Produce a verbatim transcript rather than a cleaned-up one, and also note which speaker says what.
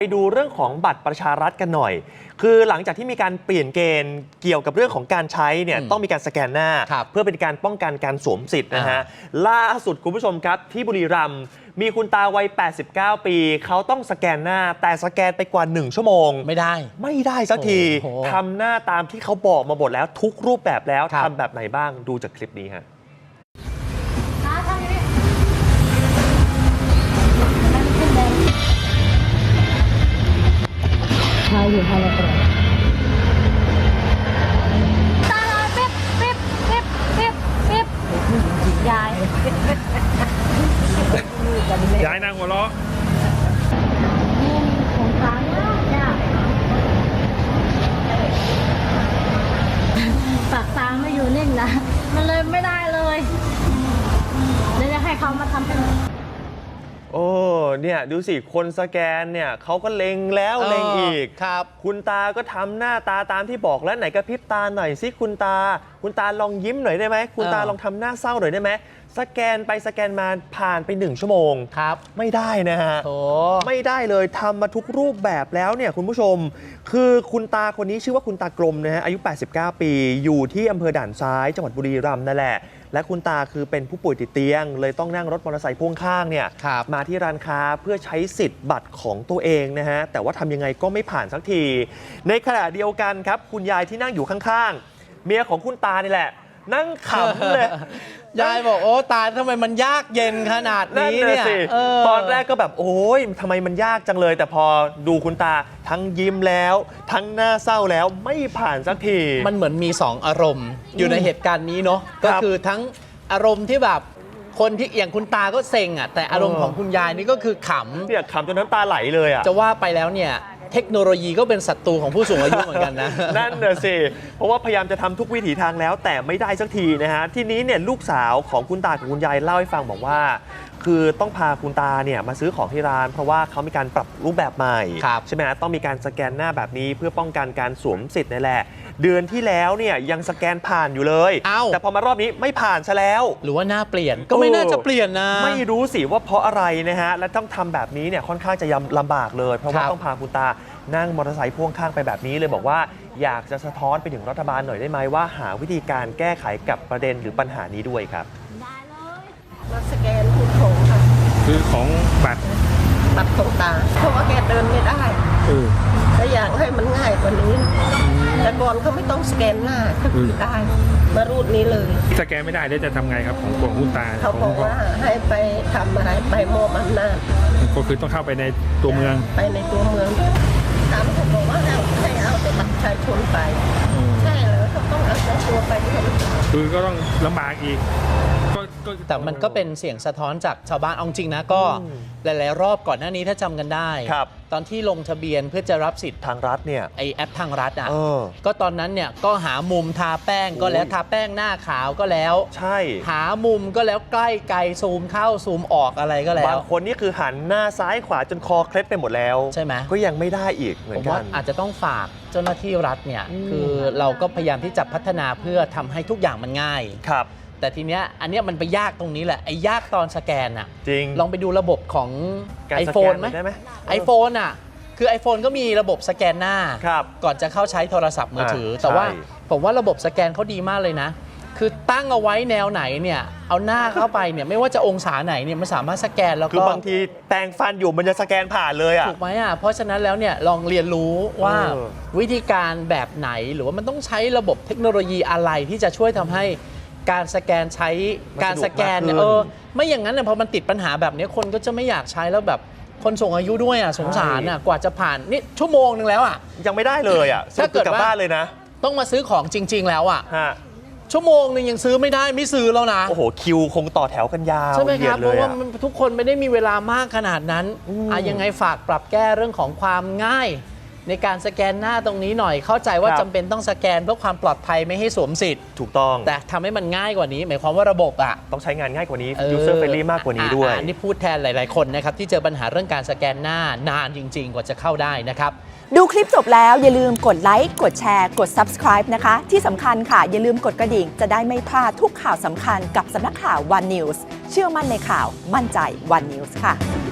Speaker 1: ไปดูเรื่องของบัตรประชารัฐกันหน่อยคือหลังจากที่มีการเปลี่ยนเกณฑ์เกี่ยวกับเรื่องของการใช้เนี่ยต้องมีการสแกนหน้าเพื่อเป็นการป้องกันการสวมสิทธิ์นะฮะล่าสุดคุณผู้ชมครับที่บุรีรัมย์มีคุณตาวัยแปดสิบเก้าปีเขาต้องสแกนหน้าแต่สแกนไปกว่าหนึ่งชั่วโมงไม่ได้ไม่ได้สักทีทำหน้าตามที่เขาบอกมาหมดแล้วทุกรูปแบบแล้วทำแบบไหนบ้างดูจากคลิปนี้ฮะ
Speaker 2: ใช่อยู่ภายในกระ
Speaker 3: ตาลอยปิ๊บปิ๊บปิ๊บปิ๊บปิ๊บยาย
Speaker 4: ยายนางหัวเราะ
Speaker 3: นี่ของค้างเนี่ยปากตาไม่อยู่นิ่งนะมันเลยไม่ได้เลยเดี๋ยวจะให้เขามาทำเป็น
Speaker 1: โอ้เนี่ยดูสิคนสแกนเนี่ยเขาก็เล็งแล้วเล็งอีกครับคุณตาก็ทำหน้าตาตามที่บอกแล้วไหนกระพริบตาหน่อยสิคุณตาคุณตาลองยิ้มหน่อยได้ไหมคุณตาลองทำหน้าเศร้าหน่อยได้ไหมสแกนไปสแกนมาผ่านไปหนึ่งชั่วโมงครับไม่ได้นะฮะไม่ได้เลยทำมาทุกรูปแบบแล้วเนี่ยคุณผู้ชมคือคุณตาคนนี้ชื่อว่าคุณตากลมนะฮะอายุแปดสิบเก้าปีอยู่ที่อำเภอด่านซ้ายจังหวัดบุรีรัมย์นั่นแหละและคุณตาคือเป็นผู้ป่วยติดเตียงเลยต้องนั่งรถมอเตอร์ไซค์พ่วงข้างเนี่ยมาที่ร้านค้าเพื่อใช้สิทธิ์บัตรของตัวเองนะฮะแต่ว่าทำยังไงก็ไม่ผ่านสักทีในขณะเดียวกันครับคุณยายที่นั่งอยู่ข้างๆเมียของคุณตานี่แหละนั่งขำเลย
Speaker 5: ยายบอกโอ้ตาทำไมมันยากเย็นขนาดนี้เนี่ย
Speaker 1: ตอนแรกก็แบบโอ้ยทำไมมันยากจังเลยแต่พอดูคุณตาทั้งยิ้มแล้วทั้งหน้าเศร้าแล้วไม่ผ่านสักที
Speaker 5: มันเหมือนมีสองอารมณ์อยู่ในเหตุการณ์นี้เนาะก็คือทั้งอารมณ์ที่แบบคนที่อย่างคุณตาก็เซ็งอ่ะแต่อารมณ์ของคุณยายนี่ก็คือขำ
Speaker 1: เนี่ยขำจนน้ำตาไหลเลยอ่ะ
Speaker 5: จะว่าไปแล้วเนี่ยเทคโนโลยีก็เป็นศัตรูของผู้สูงอายุเหมือนกันนะ
Speaker 1: นั่นน่ะสิเพราะว่าพยายามจะทำทุกวิถีทางแล้วแต่ไม่ได้สักทีนะฮะทีนี้เนี่ยลูกสาวของคุณตากับคุณยายเล่าให้ฟังบอกว่าคือต้องพาคุณตาเนี่ยมาซื้อของที่ร้านเพราะว่าเขามีการปรับรูปแบบใหม่ใช่ไหมฮะต้องมีการสแกนหน้าแบบนี้เพื่อป้องกันการสวมสิทธิ์นั่นแหละเดือนที่แล้วเนี่ยยังสแกนผ่านอยู่เลยแต่พอมารอบนี้ไม่ผ่านซะแล้ว
Speaker 5: หรือว่าหน้าเปลี่ยนก็ไม่น่าจะเปลี่ยนนะ
Speaker 1: ไม่รู้สิว่าเพราะอะไรนะฮะและต้องทำแบบนี้เนี่ยค่อนข้างจะลำบากเลยเพราะว่าต้องพาคุณตานั่งมอเตอร์ไซค์พ่วงข้างไปแบบนี้เลยบอกว่าอยากจะสะท้อนไปถึงรัฐบาลหน่อยได้ไหมว่าหาวิธีการแก้ไขกับประเด็นหรือปัญหานี้ด้วยครับ
Speaker 3: ได้เลย
Speaker 2: มาสแกนทุกของค่ะ
Speaker 4: คือของบัตร
Speaker 2: บัตรของตาเพราะว่าแกเดินไม่ได้ถ้าอยากให้มันง่ายกว่านี้แต่ก่อนเขาไม่ต้องสแกนหน้าก็คือได้มารูดนี้เลย
Speaker 4: สแกนไม่ได้แล้วจะทำไงครับของของคุณตา
Speaker 2: เขาบอกว่าให้ไปทำอะไรไปมอบอำนาจ
Speaker 4: ก็คือต้องเข้าไปในตัวเมือง
Speaker 2: ไปในตัวเมืองถามเขาบอกว่าให้ให้เอาแต่บัตรประชาชนไปใช่เหรอเขาต้องเอาตัวไป
Speaker 4: คือก็ต้องลำบากอีก
Speaker 5: แต่มันก็เป็นเสียงสะท้อนจากชาวบ้านเอาจริงนะก็หลายๆรอบก่อนหน้านี้ถ้าจำกันได้ตอนที่ลงทะเบียนเพื่อจะรับสิทธิ์
Speaker 1: ทางรัฐเนี่ย
Speaker 5: ไอแอปทางรัฐอ่ะก็ตอนนั้นเนี่ยก็หามุมทาแป้งก็แล้วทาแป้งหน้าขาวก็แล้ว
Speaker 1: ใช่
Speaker 5: หามุมก็แล้วใกล้ไกลซูมเข้าซูมออกอะไรก็แล้ว
Speaker 1: บางคนนี่คือหันหน้าซ้ายขวาจนคอเคล็ดไปหมดแล้ว
Speaker 5: ใช่ไหม
Speaker 1: ก็ยังไม่ได้อีกเหมือนกัน
Speaker 5: อาจจะต้องฝากเจ้าหน้าที่รัฐเนี่ยคือเราก็พยายามที่จะพัฒนาเพื่อทำให้ทุกอย่างมันง่าย
Speaker 1: ครับ
Speaker 5: แต่ทีเนี้ยอันเนี้ยมันไปยากตรงนี้แหละไอ้ยากตอนสแกนอ่ะ
Speaker 1: จริง
Speaker 5: ลองไปดูระบบของ iPhone ไหม iPhone อ่ะคือ iPhone ก็มีระบบสแกนหน้าก่อนจะเข้าใช้โทรศัพท์มือถือแต่ว่าผมว่าระบบสแกนเขาดีมากเลยนะคือตั้งเอาไว้แนวไหนเนี่ยเอาหน้าเข้าไปเนี่ยไม่ว่าจะองศาไหนเนี่ยมันสามารถสแกนแล้วก็
Speaker 1: คือบางทีแปรงฟันอยู่มันจะสแกนผ่านเลยอ่ะ
Speaker 5: ถูกไหมอ่ะเพราะฉะนั้นแล้วเนี่ยลองเรียนรู้ว่าวิธีการแบบไหนหรือว่ามันต้องใช้ระบบเทคโนโลยีอะไรที่จะช่วยทำให้การสแกนใช้การสแกนเนี่ยเออไม่อย่างนั้นเนี่ยพอมันติดปัญหาแบบนี้คนก็จะไม่อยากใช้แล้วแบบคนสูงอายุด้วยอ่ะสงสารอ่ะกว่าจะผ่านนี่ชั่วโมงนึงแล้วอ่ะ
Speaker 1: ยังไม่ได้เลยอ่ะถ้าเกิดกลับบ้านเลยนะ
Speaker 5: ต้องมาซื้อของจริงๆแล้วอ่ะชั่วโมงนึงยังซื้อไม่ได้ไม่ซื้อแล้วนะ
Speaker 1: โอ้โหคิวคงต่อแถวกันยาว
Speaker 5: ใช่ไหมครับเพราะว่าทุกคนไม่ได้มีเวลามากขนาดนั้นอ่ะยังไงฝากปรับแก้เรื่องของความง่ายในการสแกนหน้าตรงนี้หน่อยเข้าใจว่าจำเป็นต้องสแกนเพื่อความปลอดภัยไม่ให้สวมสิทธิ์
Speaker 1: ถูกต้อง
Speaker 5: แต่ทำให้มันง่ายกว่านี้หมายความว่าระบบอ่ะ
Speaker 1: ต้องใช้งานง่ายกว่านี้ user friendly มากกว่านี้ด้วย
Speaker 5: อันนี้พูดแทนหลายๆคนนะครับที่เจอปัญหาเรื่องการสแกนหน้านานจริงๆกว่าจะเข้าได้นะครับ
Speaker 6: ดูคลิปจบแล้วอย่าลืมกดไลค์กดแชร์กด ซับสไครบ์ นะคะที่สำคัญค่ะอย่าลืมกดกระดิ่งจะได้ไม่พลาดทุกข่าวสำคัญกับสำนักข่าว วัน นิวส์ เชื่อมั่นในข่าวมั่นใจ วัน นิวส์ ค่ะ